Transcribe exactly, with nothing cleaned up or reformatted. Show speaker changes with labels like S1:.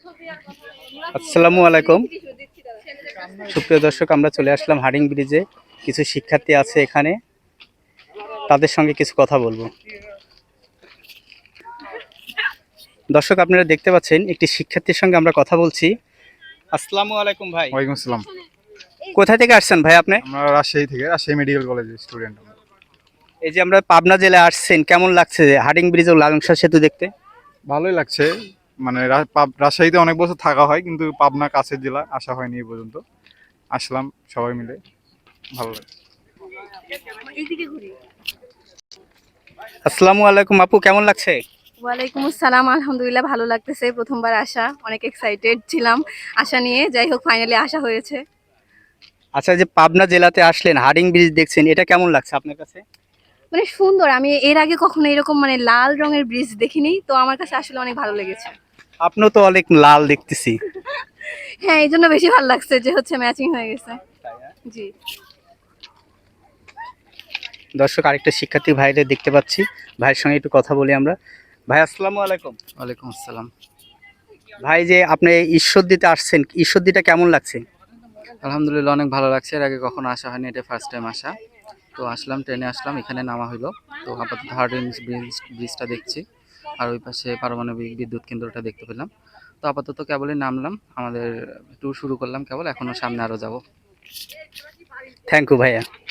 S1: আসসালামু আলাইকুম। সুপ্রিয় দর্শক, আমরা চলে আসলাম হার্ডিং ব্রিজে। কিছু শিক্ষার্থী আছে এখানে, তাদের সঙ্গে কিছু কথা বলবো। দর্শক, আপনারা দেখতে পাচ্ছেন একটি শিক্ষার্থীর সঙ্গে আমরা কথা বলছি। আসসালামু আলাইকুম ভাই।
S2: ওয়ালাইকুম আসসালাম।
S1: কোথা থেকে আসছেন ভাই আপনি?
S2: আমরা রাজশাহী থেকে, রাজশাহী মেডিকেল কলেজের স্টুডেন্ট।
S1: এই যে আমরা পাবনা জেলায় আসছেন, কেমন লাগছে হার্ডিং ব্রিজ ও লালংশা সেতু দেখতে?
S2: ভালোই লাগছে। মানে রা- পাব- রাজশাহীতে অনেক বছর থাকা হয়, কিন্তু পাবনা কাছের জেলা, আসা হয়নি এই পর্যন্ত। আসলাম সবাই মিলে, ভালো লাগছে।
S1: আসসালামু আলাইকুম আপু, কেমন লাগছে?
S3: ওয়ালাইকুম আসসালাম, আলহামদুলিল্লাহ ভালো লাগতেছে। প্রথমবার আসা, অনেক এক্সাইটেড ছিলাম আশা নিয়ে। যাই হোক, ফাইনালি আসা হয়েছে।
S1: আচ্ছা, যে পাবনা জেলাতে আসলেন, হার্ডিং ব্রিজ দেখছেন, এটা কেমন লাগছে আপনার কাছে?
S3: মানে সুন্দর। আমি এর আগে কখনো এরকম মানে লাল রঙের ব্রিজ দেখিনি, তো আমার কাছে আসলে অনেক ভালো লেগেছে।
S1: আপনিও তো অনেক লাল দেখতেছি।
S3: হ্যাঁ, এই জন্য বেশি ভালো লাগছে যে হচ্ছে ম্যাচিং হয়ে গেছে। জি।
S1: দর্শক, আরেকটা শিক্ষার্থী ভাইদের দেখতে পাচ্ছি, ভাইয়ের সঙ্গে একটু কথা বলি আমরা। ভাই আসসালামু আলাইকুম।
S4: ওয়ালাইকুম আসসালাম।
S1: ভাই, যে আপনি ঈশ্বরদীতে আসছেন, ঈশ্বরদীটা কেমন লাগছে?
S4: আলহামদুলিল্লাহ অনেক ভালো লাগছে। এর আগে কখনো আসা হয়নি, এটা ফার্স্ট টাইম আসা। তো আসলাম, ট্রেনে আসলাম, এখানে নামা হইলো। তো আপাতত হার্ডিং ব্রিজ ব্রিজটা দেখছি, আর ওই পাশে পারমাণবিক বিদ্যুৎ কেন্দ্রটা দেখতে পেলাম। তো আপাতত কেবলই নামলাম, আমাদের ট্যুর শুরু করলাম কেবল, এখনো সামনে আরও যাব।
S1: থ্যাংক ইউ ভাইয়া।